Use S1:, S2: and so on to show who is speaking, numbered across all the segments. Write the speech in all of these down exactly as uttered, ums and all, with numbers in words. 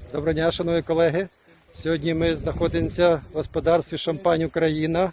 S1: Доброго дня, шановні колеги. Сьогодні ми знаходимося в господарстві «Шампань Україна».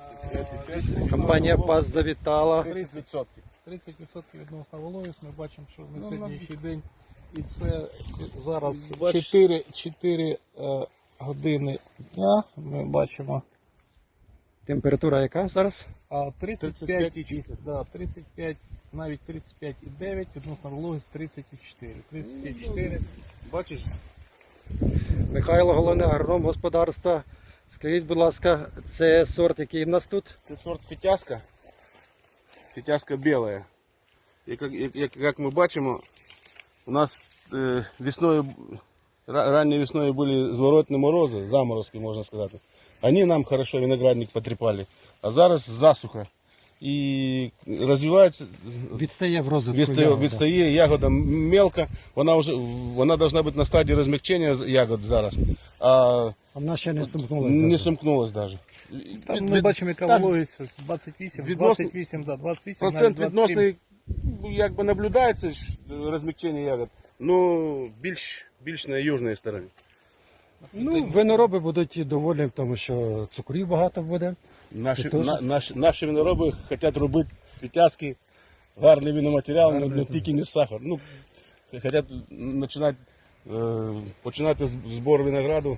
S1: Компанія ПАС завітала.
S2: тридцять відсотків. тридцять відсотків відносно вологість. Ми бачимо, що на сьогоднішній день. І це зараз чотири години дня. Ми бачимо.
S1: Температура яка зараз?
S2: А тридцять п'ять, да, тридцять п'ять, навіть тридцять п'ять і дев'ять, відносно вологість тридцять чотири. тридцять чотири. Бачиш?
S1: Михайло, головний агроном господарства. Скажіть, будь ласка, це сорт, який в нас тут?
S3: Це сорт фітяска. Фітяска біла. І як, як, як ми бачимо, у нас е, весною, ранньою весною були зворотні морози, заморозки, можна сказати. Вони нам хорошо виноградник потріпали, а зараз засуха. І розвивається,
S1: Відстає в розвитку
S3: відстає,
S1: ягода.
S3: відстає ягода мелка, вона вже вона повинна бути на стадії розмягчення ягод зараз. А
S1: А вона ще не сумкнулася.
S3: не сумкнулась навіть.
S2: Там ми бачимо, яка вологість двадцять вісім,
S3: відносно-
S2: двадцять вісім, да, двадцять вісім,
S3: Процент
S2: навіть двадцять сім.
S3: відносний, якби наблюдається ж, розмягчення ягод, ну більш, більш на южній стороні.
S1: Ну, винороби будуть доволі, тому що цукрів багато буде.
S3: Наші,
S1: Це теж?
S3: на, наші, наші винороби хочуть робити з фітяски гарний виноматеріал,
S1: Гарний,
S3: але тільки не сахар. Ну, хочуть починати, е, починати з- збор винограду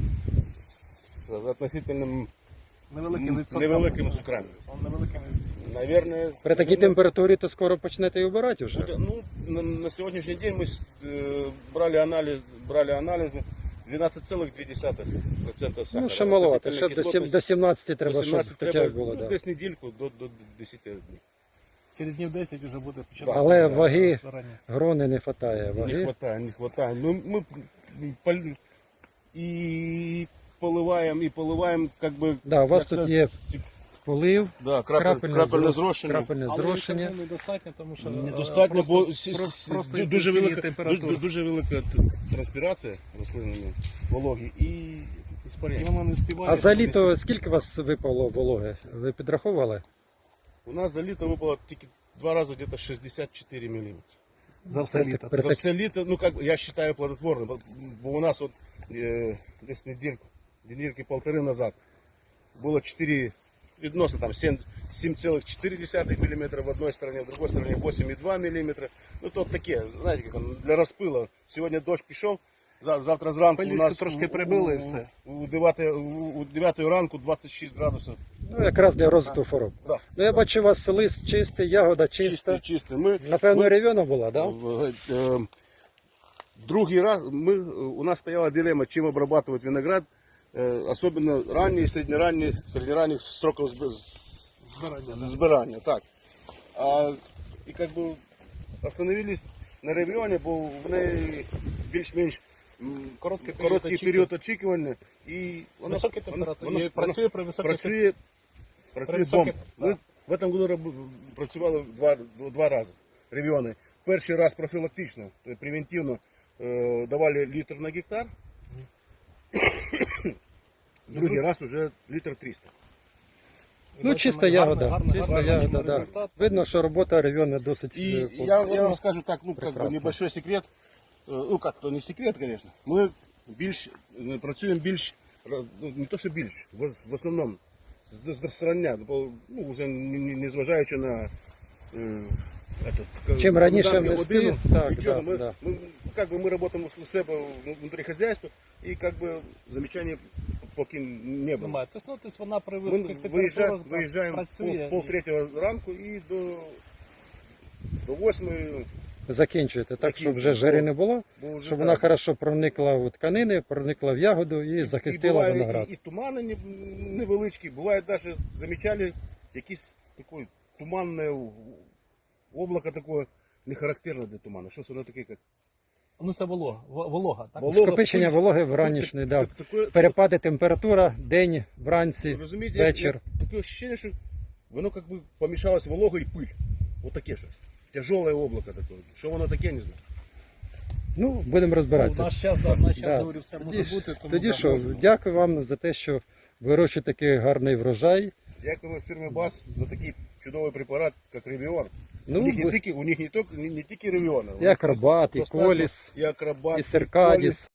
S3: з относительним
S2: Невеликим відсотком.
S3: невеликими цукрами.
S2: Невеликим.
S3: Наверное,
S1: При такій температурі то скоро почнете і обирати вже.
S3: буде- ну, на, на сьогоднішній день ми е, брали, аналіз, брали аналізи дванадцять цілих дві десятих відсотка сахара.
S1: Ну, ще маловато,
S3: Относительно
S1: ще до сім-
S3: кислотність
S1: до сімнадцяти треба,
S3: до
S1: щоб
S3: сімнадцяти
S1: хоча
S3: треба,
S1: б було,
S3: ну,
S1: да.
S3: десь недільку до, до десяти днів.
S2: Через днів десять вже буде починати.
S1: Але
S2: да,
S1: ваги,
S2: зрання.
S1: грони не вистачає.
S3: Не
S1: Ваги.
S3: хватає, не хватає. Ну, ми пол- і поливаємо, і поливаємо, як би...
S1: Да, у вас
S3: як
S1: тут
S3: сказати,
S1: є
S3: сі-
S1: полив,
S3: Да, крапель,
S1: крапельне,
S3: крапельне
S1: зро-
S3: зрошення.
S1: крапельне
S2: Але
S1: зрошення.
S2: цього недостатньо, тому що
S3: Недостатньо,
S2: е,
S3: бо
S2: просто,
S3: сі-
S2: про-
S3: сі-
S2: просто
S3: ду-
S2: йде
S3: дуже
S2: сильна
S3: велика,
S2: температура.
S3: дуже, дуже велика т- транспірація рослинної вологі і
S2: І
S3: іспарення.
S2: воно не встигає.
S1: А за літо скільки у вас випало вологи? Ви підраховували?
S3: У нас за літо випало тільки два рази десь шістдесят чотири міліметри.
S2: За все літо.
S1: При
S3: За
S1: так-
S3: все літо, ну как бы, я считаю плодотворным, бо- бо у нас вот э, десь недельку, недельки полторы назад было четыре, відносно там семь целых четыре десятых миллиметра в одной стороне, в другой стороне восемь и два миллиметра. Ну то таке, знаете, как там, для розпила. Сьогодні дощ пішов, за- завтра зранку у
S2: Пилючку
S3: нас
S2: трошки
S3: у-
S2: прибило і
S3: у-
S2: все.
S3: У дев'ятої у дев'ятої ранку двадцять шість градусів.
S1: Ну, якраз для розвитку хвороб.
S3: Да.
S1: Ну, я бачу, у вас лист чистий, ягода
S3: Чистий,
S1: чиста.
S3: чистий. Ми,
S1: Напевно,
S3: ми-
S1: рев'яна була, так? Да?
S3: В- э, Другий раз мы, у нас стояла дилемма, чем обрабатывать виноград, э, особенно ранние, среднеранние, среднеранних сроков сб- збирання. Так. А, і как бы остановились на ревіоні, бо в неї більш-менш м,
S2: Короткий період
S3: короткий
S2: очікування.
S3: період очікування. І вона,
S2: Високі
S3: вона-
S2: температури.
S3: вона-
S2: І працює при високій
S3: працює, працює
S2: при
S3: бомба.
S2: високій-
S3: Ми в цьому году роб- працювали два, два рази ревіони. Перший раз профілактично, тобто превентивно е, давали літр на гектар, другий раз вже літр триста.
S1: Ну, чиста
S2: Гарний-
S1: ягода.
S2: гарний-
S1: Чиста
S2: гарний
S1: ягода, да.
S2: результат.
S1: Видно, що робота рев'яна досить.
S3: И
S1: е,
S3: я, я
S1: повторна.
S3: вам скажу так, ну, как бы
S1: Прекрасно.
S3: небольшой секрет, Э, ну как, то не секрет, конечно. Ми більш, е, працюємо більш, ра- ну, не то, що більш, в, в основному, з, з зрання, бо, ну, вже не, не, не зважаючи на е, этот, к-
S1: Чим раніше
S3: комендантську
S1: внести,
S3: годину,
S1: так,
S3: нічого,
S1: да,
S3: ми,
S1: да.
S3: ми, как бы, ми працюємо у себе внутрі хозяйства, і как бы замечаний поки не було.
S2: Немає. Тобто, ну, тобто вона при
S3: Ми
S2: високих
S3: виїжджаємо,
S2: температурах
S3: виїжджаємо
S2: працює.
S3: пол, пол третього ранку і до, до восьмої.
S1: Закінчуєте, так, щоб вже
S3: Закінчуємо.
S1: жари не було,
S3: Бо вже
S1: щоб
S3: так.
S1: вона хорошо проникла в тканини, проникла в ягоду і захистила
S3: буває,
S1: виноград.
S3: І, і тумани не- невеличкі, буває навіть замічали якісь таке туманне облако таке, не характерне для туману. Щось воно таке, як
S2: Ну це волога, в- волога, так?
S3: волога,
S1: Скопичення
S3: пильсь.
S1: вологи вранішньої, да.
S3: Так- таке-
S1: Перепади температура, день, вранці,
S3: Розумієте,
S1: вечір.
S3: як- таке ощущення, що воно як би помішалось волога і пиль. Ось таке щось. Тяжеле облако таке. Що воно таке, не знаю.
S1: Ну, будемо
S2: Ну, в
S1: розбиратися.
S2: наш час, да, в наш час,
S1: Да.
S2: говорю, все
S1: Тоді,
S2: може
S1: ж-
S2: бути. Тому,
S1: тоді
S2: да,
S1: що,
S2: можна.
S1: дякую вам за те, що вирощуєте такий гарний врожай.
S3: Дякуємо фірмі БАС за такий чудовий препарат, як Ревіон.
S1: Ну,
S3: у них не
S1: ви-
S3: тільки, у них не тільки, не, не тільки Ревіон.
S1: І Акробат, і Коліс,
S3: і Акробат,
S1: і Серкадіс.